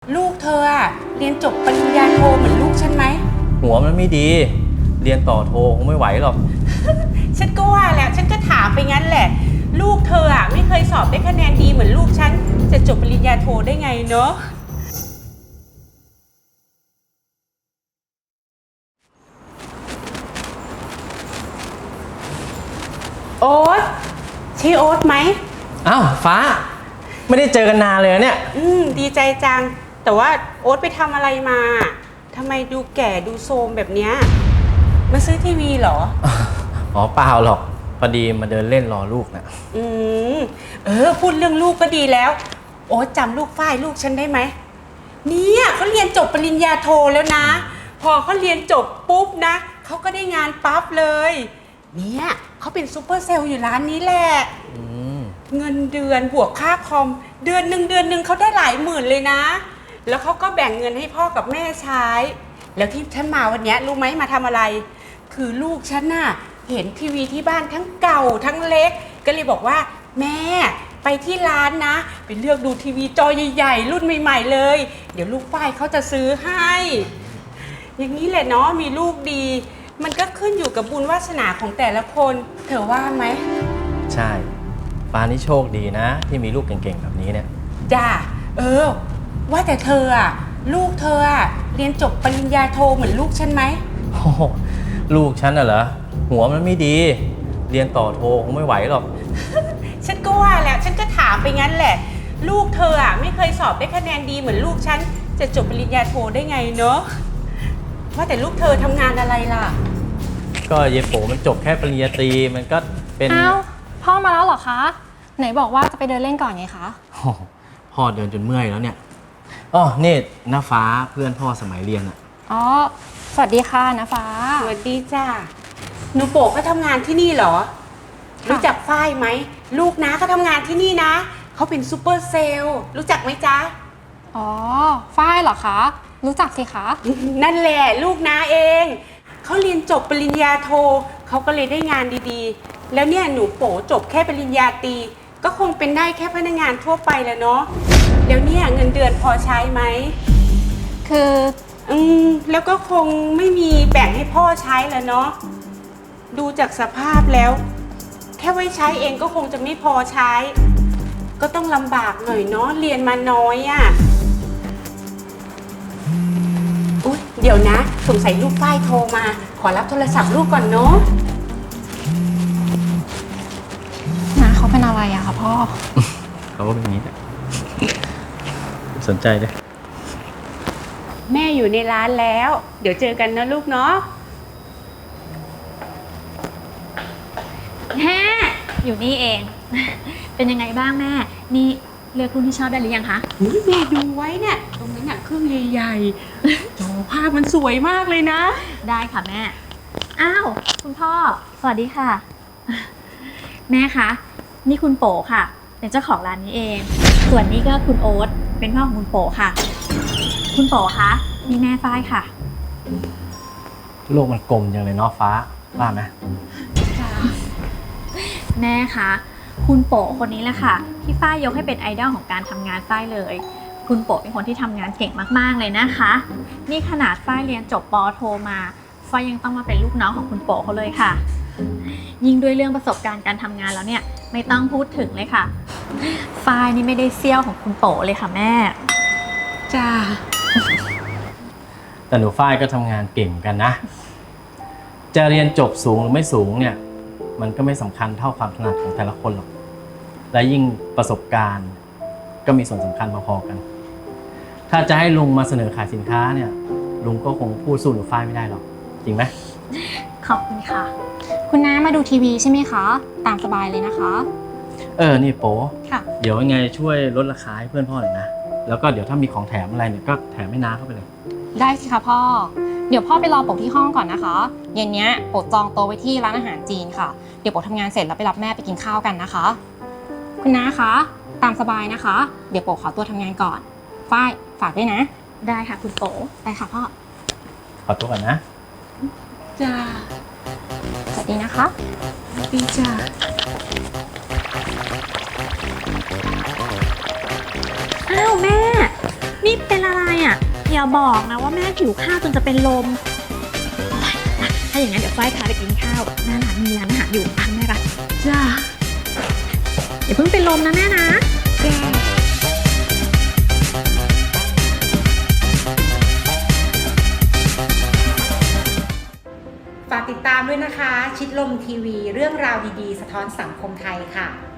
ลูกเธออะเรียนจบปริญญาโทเหมือนลูกฉันไหมหัวมันไม่ดีเรียนต่อโทคงไม่ไหวหรอกฉันก็ว่าแหละฉันก็ถามไปงั้นแหละลูกเธออะไม่เคยสอบได้คะแนนดีเหมือนลูกฉันจะจบปริญญาโทได้ไงเนาะโอ๊ตใช่โอ๊ตไหมอ้าวฟ้าไม่ได้เจอกันนานเลยเนี่ยดีใจจังแต่ว่าโอ๊ตไปทำอะไรมาทำไมดูแก่ดูโทรมแบบเนี้ยมาซื้อทีวีเหรออ๋อเปล่าหรอกพอดีมาเดินเล่นรอลูกนะพูดเรื่องลูกก็ดีแล้วโอ๊ตจำลูกฝ้ายลูกฉันได้ไหมเนี่ยเขาเรียนจบปริญญาโทแล้วนะพอเขาเรียนจบปุ๊บนะเขาก็ได้งานปั๊บเลยเนี่ยเขาเป็นซูเปอร์เซลล์อยู่ร้านนี้แหละเงินเดือนบวกค่าคอมเดือนหนึ่งเขาได้หลายหมื่นเลยนะแล้วเขาก็แบ่งเงินให้พ่อกับแม่ใช้แล้วที่ฉันมาวันนี้รู้ไหมมาทำอะไรคือลูกฉันน่ะเห็นทีวีที่บ้านทั้งเก่าทั้งเล็กก็เลยบอกว่าแม่ไปที่ร้านนะไปเลือกดูทีวีจอใหญ่ๆรุ่นใหม่ๆเลยเดี๋ยวลูกฝ้ายเขาจะซื้อให้อย่างนี้แหละเนาะมีลูกดีมันก็ขึ้นอยู่กับบุญวาสนาของแต่ละคนเธอว่าไหมใช่ฟ้านี่โชคดีนะที่มีลูกเก่งๆแบบนี้เนี่ยจ้าว่าแต่เธออะลูกเธออะเรียนจบปริญญาโทเหมือนลูกฉันไหมโอ้ลูกฉันน่ะเหรอหัวมันไม่ดีเรียนต่อโทคงไม่ไหวหรอกฉันก็ว่าแหละฉันก็ถามไปงั้นแหละลูกเธออะไม่เคยสอบได้คะแนนดีเหมือนลูกฉันจะจบปริญญาโทได้ไงเนาะว่าแต่ลูกเธอทำงานอะไรล่ะก็เยโปมันจบแค่ปริญญาตรีมันก็เป็นอ้าวพ่อมาแล้วเหรอคะไหนบอกว่าจะไปเดินเล่นก่อนไงคะพ่อเดินจนเมื่อยแล้วเนี่ยอ๋อนี่น้าฟ้าเพื่อนพ่อสมัยเรียนอ่ะอ๋อสวัสดีค่ะน้าฟ้าสวัสดีจ้าหนูโป๋ก็ทำงานที่นี่เหรอรู้จักฝ้ายไหมลูกนะเขาทำงานที่นี่นะเขาเป็นซูเปอร์เซลล์รู้จักไหมจ๊ะอ๋อฝ้ายเหรอคะรู้จักสิคะนั่นแหละลูกนะเองเขาเรียนจบปริญญาโทเขาก็เลยได้งานดีๆแล้วเนี่ยหนูโป๋จบแค่ปริญญาตรีก็คงเป็นได้แค่พนักงานทั่วไปแหละเนาะแล้วเนี่ยเงินเดือนพอใช้ไหมคือแล้วก็คงไม่มีแบ่งให้พ่อใช้แล้วเนาะดูจากสภาพแล้วแค่ไว้ใช้เองก็คงจะไม่พอใช้ก็ต้องลำบากหน่อยเนาะเรียนมาน้อยอ่ะอุ๊ยเดี๋ยวนะสงสัยลูกฝ้ายโทรมาขอรับโทรศัพท์ลูกก่อนเนาะน้าเขาเป็นอะไรอะคะพ่อเขาก็เป็นอย่างนี้แหละสนใจเลยแม่อยู่ในร้านแล้วเดี๋ยวเจอกันนะลูกเนาะแม่อยู่นี่เอง เป็นยังไงบ้างแม่นี่เลือกรุ่นที่ชอบได้หรือยังคะแม่ดูไว้เนี่ยตรงนั้นน่ะเครื่องใหญ่ๆจอภาพมันสวยมากเลยนะได้ค่ะแม่อ้าวคุณพ่อสวัสดีค่ะ แม่คะนี่คุณโป๋ค่ะเป็นเจ้าของร้านนี้เองส่วนนี้ก็คุณโอ๊ตเป็นพ่อของคุณโป๋ค่ะคุณโป๋คะนี่แม่ฝ้ายค่ะโลกมันกลมจังเลยเนาะฟ้าว่าไหมแม่คะคุณโป๋คนนี้แหละค่ะที่ฝ้ายยกให้เป็นไอดอลของการทำงานฝ้ายเลยคุณโป๋เป็นคนที่ทำงานเก่งมากๆเลยนะคะนี่ขนาดฝ้ายเรียนจบป.โทมาฝ้ายยังต้องมาเป็นลูกน้องของคุณโป๋เขาเลยค่ะยิ่งด้วยเรื่องประสบการณ์การทำงานแล้วเนี่ยไม่ต้องพูดถึงเลยค่ะฝ้ายนี่ไม่ได้เซี่ยวของคุณโป๋เลยค่ะแม่จ้าแต่หนูฝ้ายก็ทำงานเก่งกันนะจะเรียนจบสูงหรือไม่สูงเนี่ยมันก็ไม่สำคัญเท่าความถนัดของแต่ละคนหรอกและยิ่งประสบการณ์ก็มีส่วนสำคัญพอๆกันถ้าจะให้ลุงมาเสนอขายสินค้าเนี่ยลุงก็คงพูดสู้หนูฝ้ายไม่ได้หรอกจริงไหมขอบคุณค่ะคุณน้ามาดูทีวีใช่ไหมคะตามสบายเลยนะคะนี่โป๊ค่ะเดี๋ยวยังไงช่วยลดราคาให้เพื่อนพ่อหน่อยนะแล้วก็เดี๋ยวถ้ามีของแถมอะไรเนี่ยก็แถมให้น้าเข้าไปเลยได้สิคะพ่อเดี๋ยวพ่อไปรอโป๋ที่ห้องก่อนนะคะเย็นนี้โป๋จองโต๊ะไว้ที่ร้านอาหารจีนค่ะเดี๋ยวโป๋ทำงานเสร็จแล้วไปรับแม่ไปกินข้าวกันนะคะคุณน้าคะตามสบายนะคะเดี๋ยวโป๋ขอตัวทำงานก่อนฝ้ายฝากด้วยนะได้ค่ะคุณโป๋ได้ค่ะพ่อขอตัวก่อนนะจ้าสวัสดีนะคะสวัสดีจ้าอ้าวแม่นี่เป็นอะไรอย่าบอกนะว่าแม่หิวข้าวจนจะเป็นลม ถ้าอย่างนั้นเดี๋ยวฝ้ายพาไปกินข้าวหน้าร้านมีร้านอาหารอยู่ตามแม่รักจ้าอย่าเพิ่งเป็นลมนะแม่นะฝากติดตามด้วยนะคะ ชิดลมทีวีเรื่องราวดีๆ สะท้อนสังคมไทยค่ะ